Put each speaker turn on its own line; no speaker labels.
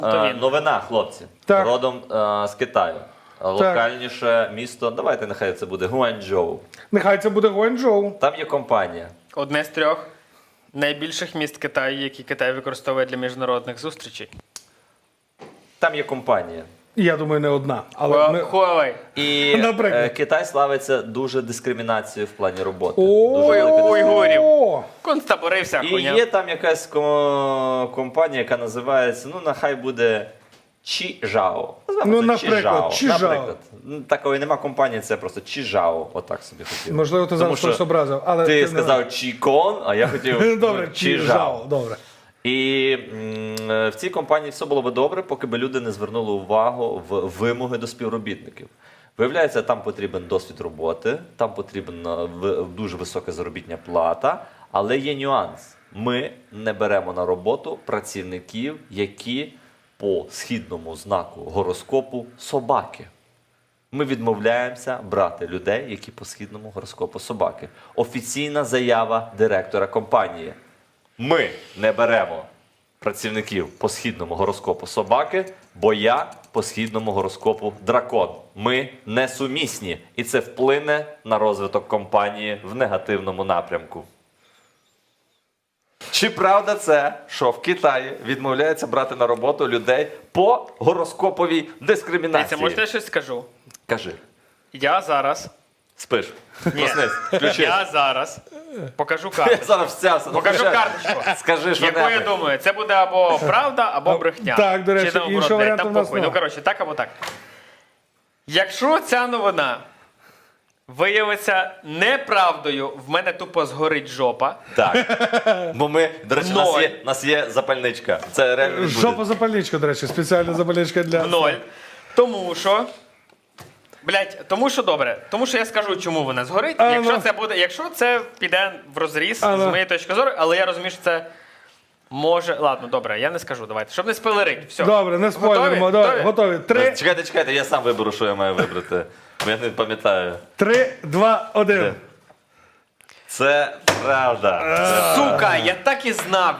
Новина, хлопці.
Так.
Родом з Китаю. Локальніше місто, давайте нехай це буде Гуанчжоу.
Нехай це буде Гуанчжоу.
Там є компанія.
Одне з 3 найбільших міст Китаю, які Китай використовує для міжнародних зустрічей.
Там є компанія.
Я думаю, не одна. Але ми...
Huawei.
І
Наприклад.
Китай славиться дуже дискримінацією в плані роботи.
О,
Дуже велика
уйгурів.
О,
Концтабори вся
І
хуйня.
є там якась компанія, яка називається, ну нехай буде Чижао.
Ну, наприклад, Чижао.
Наприклад. Ну, такої нема компанії, це просто Чижао. Отак собі хотів.
Можливо, ти
Тому
зараз
що
щось образив. Але
ти
не-
сказав Чікон, а я хотів
Добре,
Чижао.
Чижао. Добре.
І в цій компанії все було би добре, поки би люди не звернули увагу в вимоги до співробітників. Виявляється, там потрібен досвід роботи, там потрібна дуже висока заробітна плата, але є нюанс. Ми не беремо на роботу працівників, які по східному знаку гороскопу собаки. Ми відмовляємося брати людей, які по східному гороскопу собаки. Офіційна заява директора компанії. Ми не беремо працівників по східному гороскопу собаки, бо я по східному гороскопу дракон. Ми несумісні. І це вплине на розвиток компанії в негативному напрямку. Чи правда це, що в Китаї відмовляється брати на роботу людей по гороскоповій дискримінації?
Дивіться, можете я щось скажу?
Кажи.
Я зараз...
Спиш. Проснись. Включись.
Я зараз покажу
Я
карту.
зараз встявся. Ну,
Покажу
кажи.
карточку.
Скажи, що
Яку я
небудь.
думаю, це буде або правда, або брехня.
Так, до речі,
Чи там,
іншого
блядь,
варіанту
там
в нас
похуй.
нема.
Ну, коротше, так або так. Якщо ця новина виявиться неправдою, в мене тупо згорить жопа.
Так. Бо ми, до речі, у нас є запальничка. Це реально відбудеться.
Жопа запальничка, до речі, спеціальна запальничка для...
В 0. Тому що. Блять, тому що добре. Тому що я скажу, чому вона згорить. Якщо це піде в розріз з моєї точки зору, але я розумію, що це може. Ладно, добре, я не скажу. Давайте. Щоб не спойлерить. Все.
Добре, не спойлеримо.
Готові?
Готові. 3,
Чекайте, я сам виберу, що я маю вибрати. Бо я не пам'ятаю.
3, 2, 1.
Це правда.
Сука, я так і знав.